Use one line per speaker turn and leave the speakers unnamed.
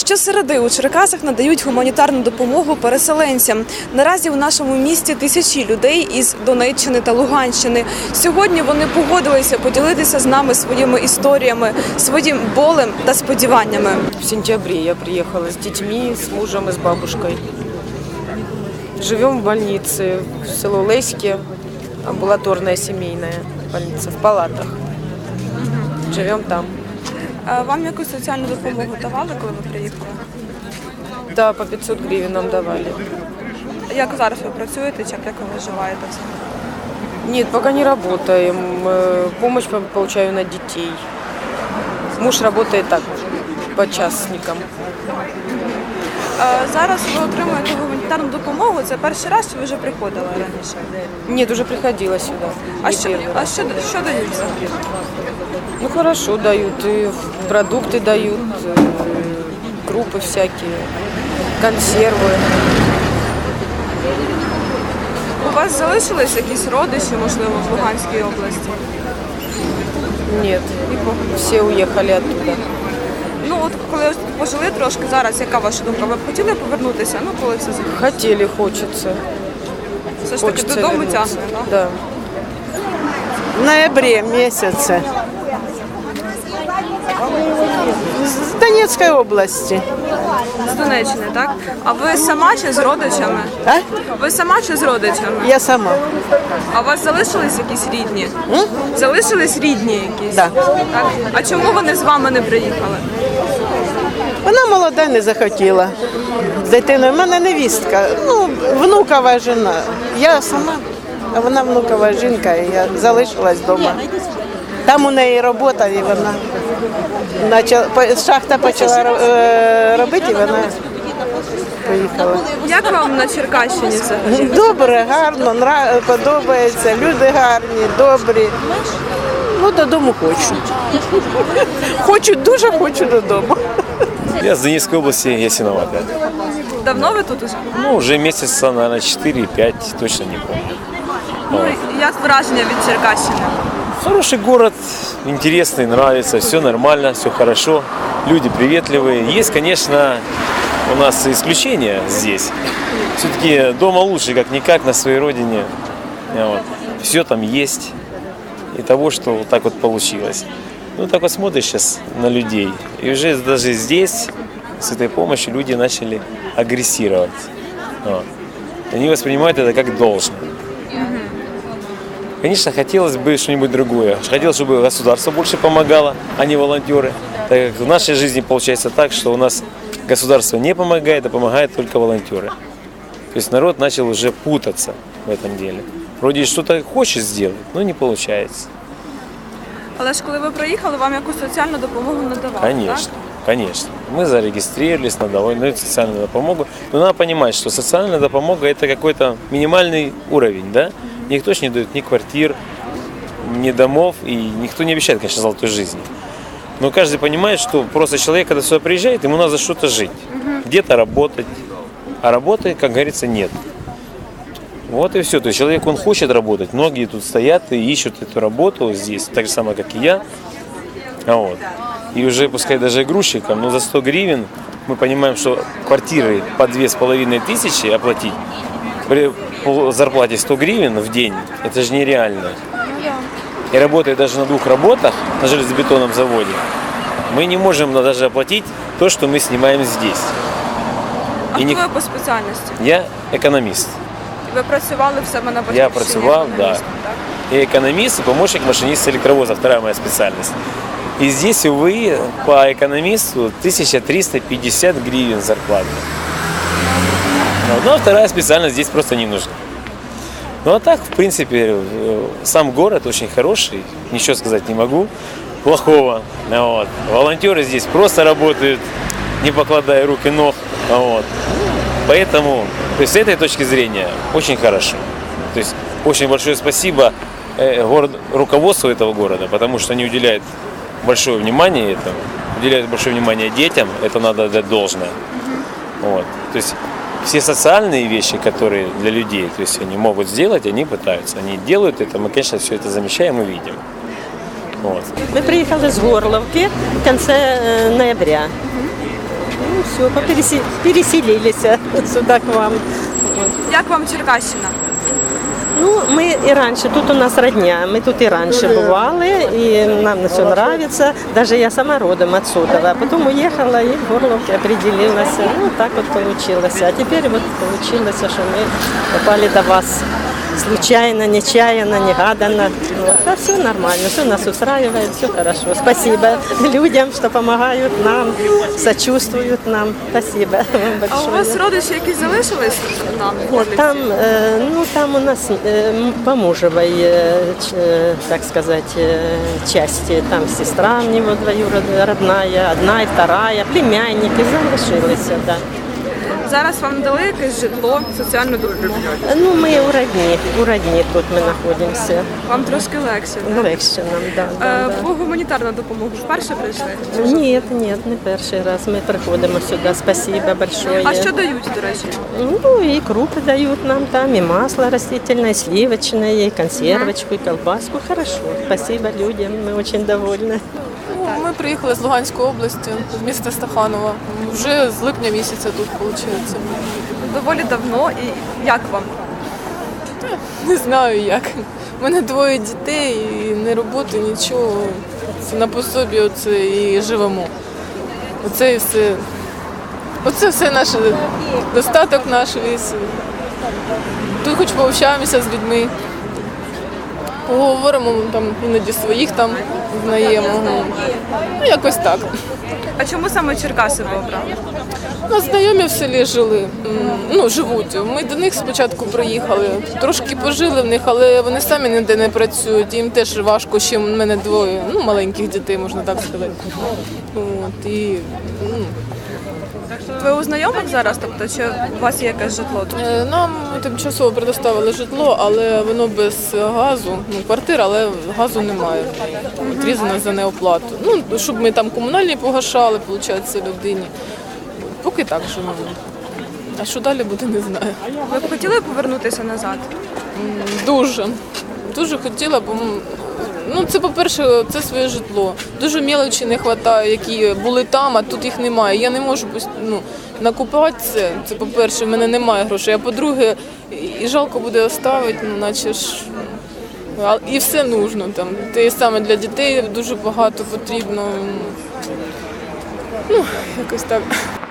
Щосереди у Черкасах надають гуманітарну допомогу переселенцям. Наразі у нашому місті тисячі людей із Донеччини та Луганщини. Сьогодні вони погодилися поділитися з нами своїми історіями, своїм болем та сподіваннями.
В сентябре я приехала с детьми, с мужем и с бабушкой. Живем в больнице в село Леське, амбулаторная семейная больница, в палатах. Живем там.
А вам якусь соціальну допомогу давали, коли ви приїхали?
Да, по 500 гривен нам давали.
Як зараз ви працюєте, чи як ви виживаєте?
Нет, пока не работаем. Помощь получаю на детей. Муж работает так, по частникам.
Зараз ви отримуєте гуманітарну допомогу. Це перший раз, чи ви вже приходили раніше?
Нет, уже приходила сюда.
А
Не
що
первый раз.
дають взагалі?
Ну хорошо дают, и продукты дают, крупы всякие, консервы.
У вас залишились якісь родичі, можливо, в Луганській області?
Нет, все уехали оттуда.
Ну от коли ось тут пожили трошки зараз, яка ваша думка? Ви б хотіли повернутися? Ну коли все закінчиться?
Хотели, хочется.
Все ж таки додому
вернуться.
тягне, так?
Да.
В ноябре месяце. С Донецкой области.
З Донеччини, так? А ви сама чи з родичами?
А?
Ви сама чи з родичами?
Я сама.
А у вас залишились якісь рідні? Залишились рідні якісь?
Да.
Так? А чому вони з вами не приїхали?
Вона молода, не захотіла. З дитиною. У мене невістка, ну, внукова жена. Я сама, а вона внукова жінка, і я залишилась вдома. Там у неї робота, і вона шахта почала робити, і вона поїхала.
Як вам на Черкащині взагалі?
Добре, гарно, подобається, люди гарні, добрі. Ну, додому хочу. Хочу, дуже додому.
Я с Донецкой области, Ясиновата.
Давно ви тут уже?
Ну, уже месяца, наверное, 4-5, точно не помню.
Ну, як враження від Черкащини?
Хороший город, интересный, нравится, все нормально, все хорошо, люди приветливые. Есть, конечно, у нас исключения здесь. Все-таки дома лучше, как-никак, на своей родине. Вот. Все там есть. И того, что вот так вот получилось. Ну, так вот смотришь сейчас на людей. И уже даже здесь, с этой помощью, люди начали агрессировать. Вот. Они воспринимают это как должное. Конечно, хотелось бы что-нибудь другое. Хотелось, чтобы государство больше помогало, а не волонтеры. Так как в нашей жизни получается так, что у нас государство не помогает, а помогают только волонтеры. То есть народ начал уже путаться в этом деле. Вроде что-то хочет сделать, но не получается.
Але ж коли ви приїхали, вам якусь соціальну допомогу надавали,
Конечно, конечно. Мы зарегистрировались на социальную допомогу. Но надо понимать, что социальная допомога – это какой-то минимальный уровень, да? Никто ж не дает ни квартир, ни домов, и никто не обещает, конечно, золотой жизни. Но каждый понимает, что просто человек, когда сюда приезжает, ему надо за что-то жить, где-то работать, а работы, как говорится, нет. Вот и все. То есть человек, он хочет работать. Многие тут стоят и ищут эту работу здесь, так же самое, как и я. Вот. И уже, пускай даже грузчикам, но за 100 гривен мы понимаем, что квартиры по 2500 оплатить при зарплате 100 гривен в день, это же нереально. И работая даже на 2 работах на железобетонном заводе, мы не можем даже оплатить то, что мы снимаем здесь.
А хто ви по спеціальності?
Я экономист.
Ви працювали в себе на батьківщині?
Я працював, да.
економістом, так?
Я экономист и помощник машиниста электровоза, вторая моя специальность. И здесь, увы, по экономисту 1350 гривен зарплата. Ну, а вторая специальность здесь просто не нужна. Ну а так, в принципе, сам город очень хороший, ничего сказать не могу плохого. Вот. Волонтеры здесь просто работают, не покладая рук и ног. Вот. Поэтому, то есть с этой точки зрения, очень хорошо. То есть очень большое спасибо руководству этого города, потому что они уделяют большое внимание этому, уделяют большое внимание детям, это надо отдать должное. Вот. То есть все социальные вещи, которые для людей, то есть они могут сделать, они пытаются, они делают это, мы, конечно, все это замечаем и видим. Вот.
Мы приехали с Горловки в конце ноября. все, переселились сюда к вам.
Як вам Черкащина?
Ну, мы и раньше, тут у нас родня, мы тут и раньше бывали, и нам все нравится. Даже я сама родом отсюда, а потом уехала и в Горловке определилась. Ну, так вот получилось. А теперь вот получилось, что мы попали до вас. Случайно, нечаянно, негаданно. Вот. А все нормально, все нас устраивает, все хорошо. Спасибо людям, что помогают нам, сочувствуют нам. Спасибо вам
А
большое.
у вас родичі якісь залишились там?
Нет, там, там у нас по мужевой, так сказать, части. Там сестра у него двоюродная, родная, одна и вторая, племянники залишились, да.
Зараз вам дали якесь житло, соціальну допомогу?
Ну, мы у родни тут мы находимся.
Вам трошки легше, так?
Легше нам, да.
По гуманітарну допомогу вперше прийшли?
Нет, не перший раз. Ми приходимо сюди. Спасибо большое.
А що дають, до речі?
Ну, и крупы дают нам там, и масло растительное, и сливочное, и консервочку, и колбаску. Хорошо. Спасибо людям, мы очень довольны.
Ми приїхали з Луганської області, з міста Стаханова. Вже з липня місяця тут, виходить.
Доволі давно. І як вам?
Не знаю як. У мене двоє дітей, і не роботи, нічого. Це на пособі оце і живемо. Оце і все. Оце все наш достаток наш весь. Тут хоч пообщаємося з людьми. Поговоримо там іноді своїх там знаємо. Ну, якось так.
А чому саме Черкаси ви обрали?
У нас знайомі в селі жили, живуть. Ми до них спочатку приїхали, трошки пожили в них, але вони самі ніде не працюють, їм теж важко, ще в мене двоє, маленьких дітей, можна так сказати.
Ви у знайомих зараз, тобто, чи у вас є якесь житло тут?
Нам тимчасово предоставили житло, але воно без газу, квартира, але газу немає. Відрізано за неоплату. Щоб ми там комунальні погашали, виходить, людині. Поки так живемо. А що далі буде, не знаю.
Ви б хотіли повернутися назад?
Дуже. Дуже хотіла, бо це, по-перше, це своє житло. Дуже мелочі не вистачає, які були там, а тут їх немає. Я не можу накупати це. Це, по-перше, в мене немає грошей. А по-друге, і жалко буде оставити, наче ж. І все нужно там. Те саме для дітей дуже багато потрібно. Якось так.